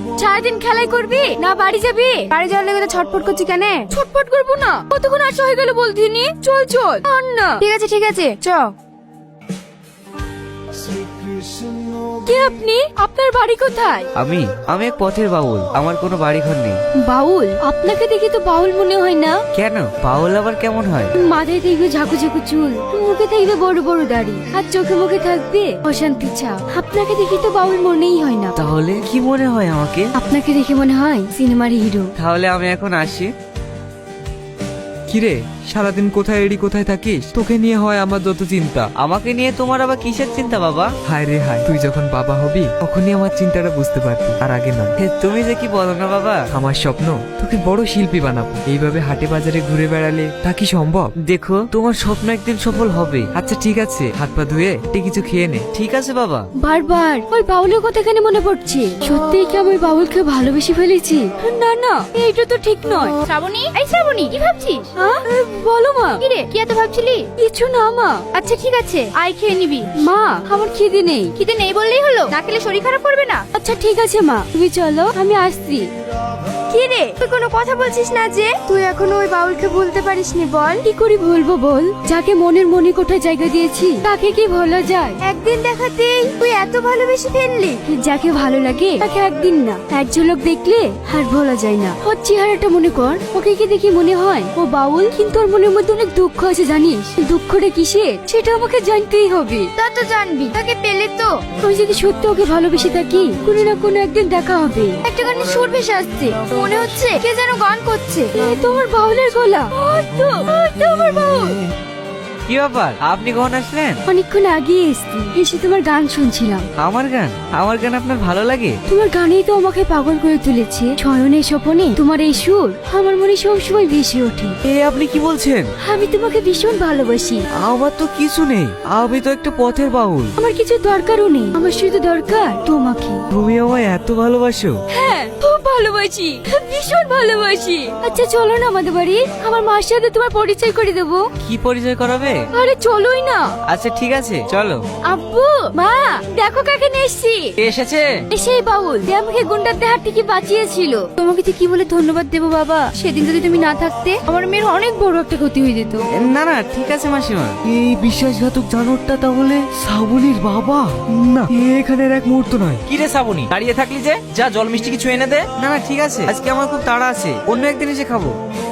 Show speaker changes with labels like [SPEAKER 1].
[SPEAKER 1] সারাদিন খেলাই করবি না বাড়ি যাবি?
[SPEAKER 2] বাড়ি যাওয়ার লেগে তো ছটফট করছি কেন?
[SPEAKER 1] ছটফট করবো না, কতক্ষণ আসা হয়ে গেল বলতিনি। চল চল আর না।
[SPEAKER 2] ঠিক আছে চ।
[SPEAKER 1] কে আপনি? আপনার বাড়ি কোথায়?
[SPEAKER 3] আমি এক পথের বাউল, আমার কোনো বাড়ি ঘর নেই।
[SPEAKER 1] বাউল? আপনাকে দেখি তো বাউল মনে হয় না।
[SPEAKER 3] কেন, বাউল আবার কেমন হয়?
[SPEAKER 1] মাথায় দেখবে ঝাঁকু ঝাঁকু চুল, মুখে থাকবে বড় বড় দাড়ি, আর চোখে মুখে থাকবে অশান্তি ছাপ। আপনাকে দেখি তো বাউল মনেই হয় না।
[SPEAKER 3] তাহলে কি মনে হয় আমাকে?
[SPEAKER 1] আপনাকে দেখে মনে হয় সিনেমার হিরো।
[SPEAKER 3] তাহলে আমি এখন আসি।
[SPEAKER 4] কিরে, সারাদিন কোথায় এড়ি কোথায় থাকিস? তোকে নিয়ে হয় আমার যত চিন্তা।
[SPEAKER 3] আমাকে নিয়ে তোমার আবার কিসের চিন্তা বাবা?
[SPEAKER 4] হায় রে হায়, তুই যখন বাবা হবি তখনই আমার চিন্তাটা বুঝতে পারবি, আর আগে নয়।
[SPEAKER 3] তুমি যে কি বলো না বাবা।
[SPEAKER 4] আমার স্বপ্ন তোকে বড় শিল্পী বানাবো। এইভাবে হাটে বাজারে ঘুরে বেড়ালে তা কি সম্ভব?
[SPEAKER 3] দেখো, তোমার স্বপ্ন একদিন সফল হবে।
[SPEAKER 4] আচ্ছা ঠিক আছে, হাত পা ধুয়ে কিছু খেয়ে নে।
[SPEAKER 3] ঠিক আছে বাবা।
[SPEAKER 1] বারবার ওই বাউলের কথা কেন মনে পড়ছে? সত্যিই কি আমি বাউলকে ভালোবেসে ফেলেছি? না না, এইটা তো ঠিক নয়।
[SPEAKER 2] শ্রাবণী, এই শ্রাবণী, কি ভাবছিস?
[SPEAKER 1] হ্যাঁ, বলো মা।
[SPEAKER 2] কি রে, কি এত ভাবছিলি?
[SPEAKER 1] কিছু না মা।
[SPEAKER 2] আচ্ছা ঠিক আছে, আয় খেয়ে নিবি।
[SPEAKER 1] মা, আমার খিদে নেই।
[SPEAKER 2] খিদে নেই বললেই হলো? না খেলে শরীর খারাপ করবে না?
[SPEAKER 1] আচ্ছা ঠিক আছে মা, তুমি চলো, আমি আসছি।
[SPEAKER 2] কি রে, তুই কোনো কথা বলছিস না যে? তুই এখনো ওই বাউলকে ভুলতে পারিসনি? বল।
[SPEAKER 1] কি করে বলবো বল? যাকে মনের মনে কোথায় জায়গা দিয়েছি তাকে কি ভোলা যায়?
[SPEAKER 2] একদিন দেখাতেই তুই এত ভালোবেসে ফেললি?
[SPEAKER 1] যাকে ভালো লাগে তাকে একদিন না, এক ঝলক দেখলে আর ভোলা যায় না। ওর চেহারাটা মনে কর, ওকে কি দেখি মনে হয় ও বাউল, কিন্তু ওর মনের মধ্যে অনেক দুঃখ আছে জানিস। দুঃখটা কিসের সেটা আমাকে জানতেই হবে।
[SPEAKER 2] তা তো জানবি, তাকে পেলে তো।
[SPEAKER 1] আমি যদি সত্যি ওকে ভালোবেসে থাকি, কোনো না কোনো একদিন দেখা হবে।
[SPEAKER 2] একটা গানে সুর ভেসে আসছে, মনে হচ্ছে কে যেন গান করছে।
[SPEAKER 1] এ তোমার বাউলের গলা। ওই তো আমার বাউল।
[SPEAKER 3] কি ব্যাপার, আপনি কখন আসলেন?
[SPEAKER 1] অনেকক্ষণ আগে এসছি, এসে তোমার গান শুনছিলাম।
[SPEAKER 3] আমার গান আপনার ভালো লাগে?
[SPEAKER 1] তোমার গানেই তো আমাকে পাগল করে তুলেছে। শয়নে স্বপনে তোমার এই সুর আমার মনে সবসময় ভেসে ওঠে।
[SPEAKER 3] এ আপনি কি বলছেন?
[SPEAKER 1] আমি তোমাকে ভীষণ ভালোবাসি।
[SPEAKER 3] আমার তো কিছু নেই, আমি তো একটা পথের বাউল।
[SPEAKER 1] আমার কিছু দরকারও নেই, আমার শুধু দরকার তোমাকে।
[SPEAKER 3] তুমি আমায় এত ভালোবাসো?
[SPEAKER 1] হ্যাঁ, খুব ভালোবাসি, ভীষণ ভালোবাসি। আচ্ছা চলো না আমাদের বাড়ি, আমার মার সাথে তোমার পরিচয় করে দেবো।
[SPEAKER 3] কি পরিচয় করাবে?
[SPEAKER 1] আরে চলোই না।
[SPEAKER 3] আচ্ছা ঠিক আছে, চলো।
[SPEAKER 1] আব্বু, মা, দেখো কাকে নিয়ে এসছি।
[SPEAKER 3] কে এসেছে?
[SPEAKER 1] সেই বাউল, যে আমাকে গুন্ডাদের হাত থেকে বাঁচিয়েছিল। তোমাকে তো কি বলে ধন্যবাদ দেবো বাবা? সেদিন যদি তুমি না থাকতে আমার মেয়ের অনেক বড় একটা ক্ষতি হয়ে যেত।
[SPEAKER 3] না না, ঠিক আছে মাসিমা। এই বিশ্বাসঘাতক জানোয়ারটা তাহলে শ্রাবণীর বাবা?
[SPEAKER 4] না, এখানের এক মুহূর্ত নয়।
[SPEAKER 5] কি রে শ্রাবণী, দাঁড়িয়ে থাকলি যে? যা জল মিষ্টি কিছু এনে দে।
[SPEAKER 3] না না ঠিক আছে, আজকে আমার খুব তাড়া আছে, অন্য একদিন এসে খাবো।